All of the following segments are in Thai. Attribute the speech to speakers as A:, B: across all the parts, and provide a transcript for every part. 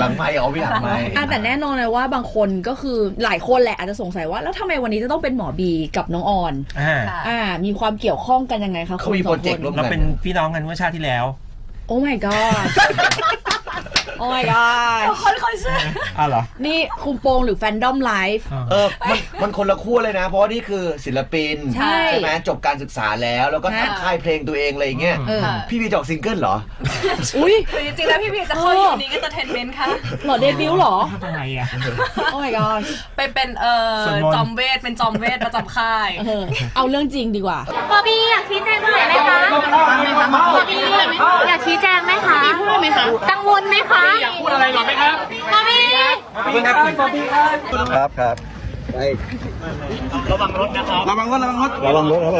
A: ลังไมค์เอาพี่หลังไมค์
B: แต่แน่นอนเลยว่าบางคนก็คือหลายคนแหละอาจจะสงสัยว่าแล้วทำไมวันนี้จะต้องเป็นหมอบีกับน้องออนมีความเกี่ยวข้องกันยังไงคะ
A: เขามีโปรเจกต์ร่วมกัน
C: เราเป็นพี่น้องกันเมื่อชาติที่แล้ว
B: โอ้ my god โอ้ my god
D: คนเชื่อ
C: เหรอ
B: นี่คุมโปงหรือแฟนดอมไลฟ์
A: มันคนละคู่เลยนะเพราะว่านี่คือศิลปินใช่ไหมจบการศึกษาแล้วก็ทำค่ายเพลงตัวเองอะไรอย่างเงี้ยพี่บีจอกซิงเกิลเหรอ
B: อุ้ย
D: จริงๆแล้วพี่บีจะเข้าอยู่นี้ก็จะเทนเมนต์ค่ะ
B: หรอเดบิวต์หรอ
C: ทำไมอ่ะ
B: โอ้ my god
D: ไปเป็นจอมเวทเป็นจอมเวทประจำค่าย
B: เอาเรื่องจริงดีกว่า
E: บอบบี้อยากชี้แจงตรงไหนไหมคะบอบบี้อยากชี้แจงไหมคะพูดไหมคะกังวลไหมคะ
C: อยากพูดอะไรหรอไหมครับ
E: บอบบี้
A: ครับไประวังรถนะครับระวังรถครับรอ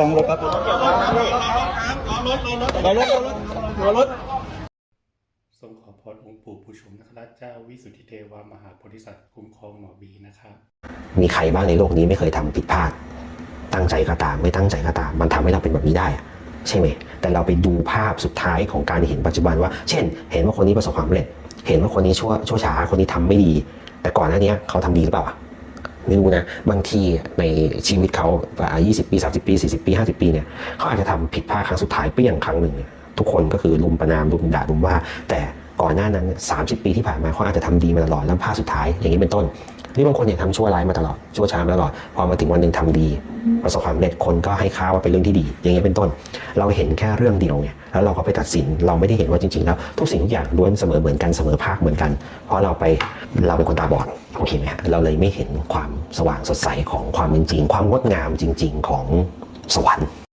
A: รถ
F: ทรงขอพรองค์ปู่ผู้ชมนคราชเจ้าวิสุทธิเทวามหาโพธิสัตว์คุ้มครองหมอบีนะครับ
G: มีใครบ้างในโลกนี้ไม่เคยทำผิดพลาดตั้งใจก็ตามไม่ตั้งใจก็ตามมันทำให้เราเป็นแบบนี้ได้ใช่ไหมแต่เราไปดูภาพสุดท้ายของการเห็นปัจจุบันว่าเช่นเห็นว่าคนนี้ประสบความสำเร็จเห็นว่าคนนี้ชั่วช้าคนนี้ทำไม่ดีแต่ก่อนหน้านี้เขาทำดีหรือเปล่าไม่รู้นะบางทีในชีวิตเขา20 ปี30 ปี40 ปี50 ปีเนี่ยเขาอาจจะทำผิดพลาดครั้งสุดท้ายเปรี้ยงครั้งหนึ่งทุกคนก็คือลุมประนามลุมด่าลุมว่าแต่ก่อนหน้านั้น30 ปีที่ผ่านมาเขาอาจจะทำดีมาตลอดแล้วพลาดสุดท้ายอย่างนี้เป็นต้นหรือบางคนเนี่ยทำชั่วร้ายมาตลอดชั่วช้ามาตลอดพอมาถึงวันหนึ่งทำดีประสบความสำเร็จคนก็ให้ค่าว่าเป็นเรื่องที่ดีอย่างนี้เป็นต้นเราเห็นแค่เรื่องเดียวไงแล้วเราก็ไปตัดสินเราไม่ได้เห็นว่าจริงๆแล้วทุกสิ่งทุกอย่างล้วนเสมอเหมือนกันเสมอภาคเหมือนกันเพราะเราเป็นคนตาบอดโอเคไหมฮะเราเลยไม่เห็นความสว่างสดใสของความเป็นจริงความงดงามจริงๆของสวรรค์